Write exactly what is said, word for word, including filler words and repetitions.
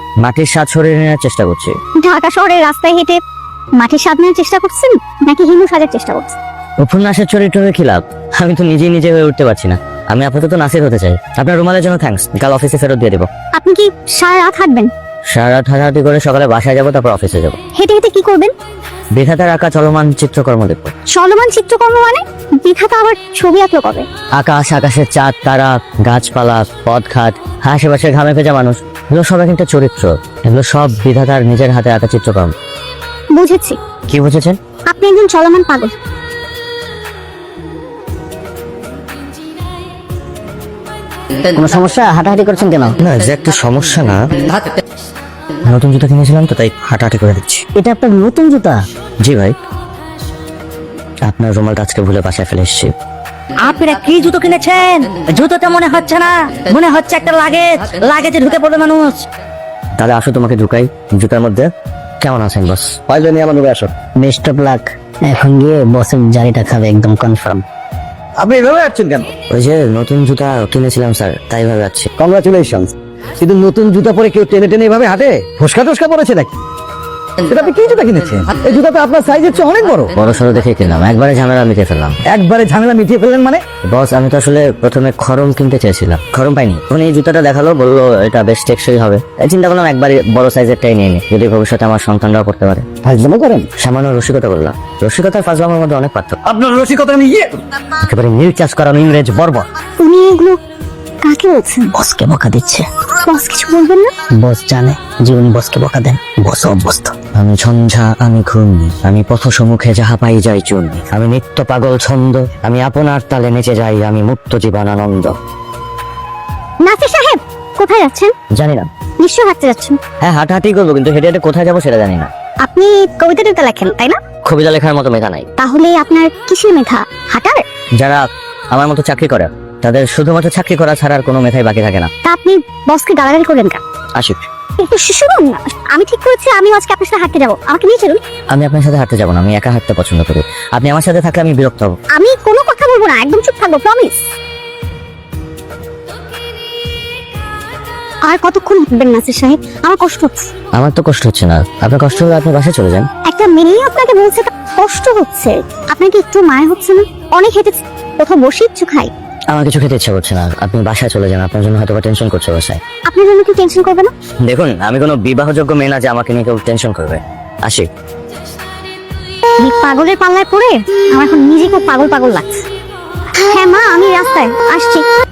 মাটির স্বাদ শরীরে নেওয়ার চেষ্টা করছি। ঢাকা শহরের রাস্তায় হেঁটে মাটির স্বাদ নেওয়ার চেষ্টা করছেন নাকি হিন্দু সাজার চেষ্টা করছেন? উপন্যাসের চরিত্র হয়ে কি লাভ? আমি তো নিজেই নিজে হয়ে উঠতে পারছি না। আমি আপাতত নাসির হতে চাই। আপনার রুমালের জন্য থ্যাঙ্কস, কাল অফিসে ফেরত দিয়ে দেবো। আপনি কি সারা রাত হাঁটবেন? সারা রাত হাঁটাহাঁটি করে সকালে বাসায় যাবো, তারপর অফিসে যাবো। হেঁটে হেঁটে কি করবেন? বিধাতার আঁকা চলমান চিত্রকর্ম দেখবো। চলমান চিত্রকর্ম মানে? বিধাতা আবার ছবি আঁকলো কবে? আকাশ, আকাশের চাঁদ, তারা, গাছপালা, পথঘাট, আশেপাশে ঘামে ভেজা মানুষ, এগুলো সব এক একটা চরিত্র। এগুলো সব বিধাতার নিজের হাতে আঁকা চিত্রকর্ম। বুঝেছি, কি বুঝেছেন? আপনি একজন চলমান পাগল। কোনো সমস্যা? হাঁটাহাঁটি করছেন কেন? না, যে একটা সমস্যা না, নতুন জুতা কিনেছিলাম তো তাই হাঁটাহাঁটি করে দিচ্ছি। এটা আপনার নতুন জুতা? জি ভাই, আপনার রুমালটা আজকে ভুলে বাসায় ফেলে এসেছি। আপনারা কি জুতো কিনেছেন? জুতোটা মনে হচ্ছে না, মনে হচ্ছে একটা লাগেজ। লাগেজে ঢুকে পড়বে মানুষ। তাহলে আসো তোমাকে ঢুকাই জুতার মধ্যে। কেমন আছেন বস? পাইলে নিয়ে আমার রুমে আসো। Best of luck. এখন গিয়ে বসের জারিটা খাবে একদম কনফার্ম। আপনি এভাবে যাচ্ছেন কেন? ওই যে নতুন জুতা কিনেছিলাম স্যার, তাই ভাবে যাচ্ছি। কংগ্রাচুলেশন। কিন্তু নতুন জুতা পরে কেউ টেনে টেনে এভাবে হাঁটে? ফসকা টসকা পড়েছে নাকি? এটা আপনি কি জুতা কিনেছেন? এই জুতা তো আপনার সাইজের চেয়ে অনেক বড়। বড় সড়ো দেখে কিনলাম, একবারে ঝামেলা মিটিয়ে ফেললাম। একবারে ঝামেলা মিটিয়ে ফেললেন মানে? বস আমি তো আসলে প্রথমে খরম কিনতে চেয়েছিলাম, খরম পাইনি। তখন এই জুতাটা দেখালো, বললো এটা বেশ টেকসই হবে। তাই চিন্তা করলাম একবারে বড় সাইজেরটাই নিয়ে নি, যদি ভবিষ্যতে আমার সন্তানরাও করতে পারে। ফাজলামো করেন? সামান্য রসিকতা বললাম। রসিকতার ফাজলামের মধ্যে অনেক পার্থক্য। আপনার রসিকতা নিয়ে একেবারে নীল চাষ করানো ইংরেজ বর্বর। উনি এগুলো কাকে বলছেন? বসকে বকা দিচ্ছে। বস কিছু বলবেন না? বস জানে যে উনি বসকে বকা দেন। বস অভ্যস্ত। আমি ঝঞ্ঝা, আমি ঘূর্ণি, আমি পথ সম্মুখে যাহা পাই যাই চূর্ণি, আমি নিত্য পাগল ছন্দ, আমি আপনার তালে নেচে যাই, আমি মুক্ত জীবন আনন্দ। নাসির সাহেব, কোথায় যাচ্ছেন? জানি না। নিশ্চয় হাঁটতে যাচ্ছেন। হ্যাঁ হাঁটাহাঁটি করবো, কিন্তু হেঁটে হেঁটে কোথায় যাবো সেটা জানি না। আপনি কবিতা টবিতা লেখেন তাই না? কবিতা লেখার মতো মেধা নাই। তাহলে আপনার কিসের মেধা? হাঁটার? যারা আমার মতো চাকরি করে তাদের শুধুমাত্র চাকরি করা ছাড়া আর কোনো মেধাই বাকি থাকে না। তা আপনি বসকে গালাগালি করলেন কেন? আশিক, একটু শুনুন না, আমি ঠিক করেছি আমি আজকে আপনার সাথে হাঁটতে যাবো। আমাকে নিয়ে চলুন। আমি আপনার সাথে হাঁটতে যাবো না, আমি একা হাঁটতে পছন্দ করি। আপনি আমার সাথে থাকলে আমি বিরক্ত হব। আমি কোনো কথা বলবো না, একদম চুপ থাকবো, প্রমিস। আর কতক্ষণ হাঁটবেন নাসির সাহেব? আমার কষ্ট হচ্ছে। আমার তো কষ্ট হচ্ছে না, আপনার কষ্ট হলে আপনি বাসায় চলে যান। একটা মেয়েই আপনাকে বলছে তা কষ্ট হচ্ছে, আপনাকে একটু মায়া হচ্ছে না? অনেক হেঁটেছি, কোথাও বসে একটু খাই। আমার কিছু খেতে ইচ্ছা করছে না, আপনি বাসায় চলে যান। আপনার জন্য হয়তো টেনশন করছে বাসায়। আপনার জন্য কি টেনশন করবে না? দেখুন আমি কোনো বিবাহযোগ্য মেয়ে না যে আমাকে নিয়ে কেউ টেনশন করবে। আসি। এই পাগলের পাল্লায় পড়ে আমার এখন নিজেকে পাগল পাগল লাগছে। হ্যাঁ মা, আমি রাস্তায় আসছি।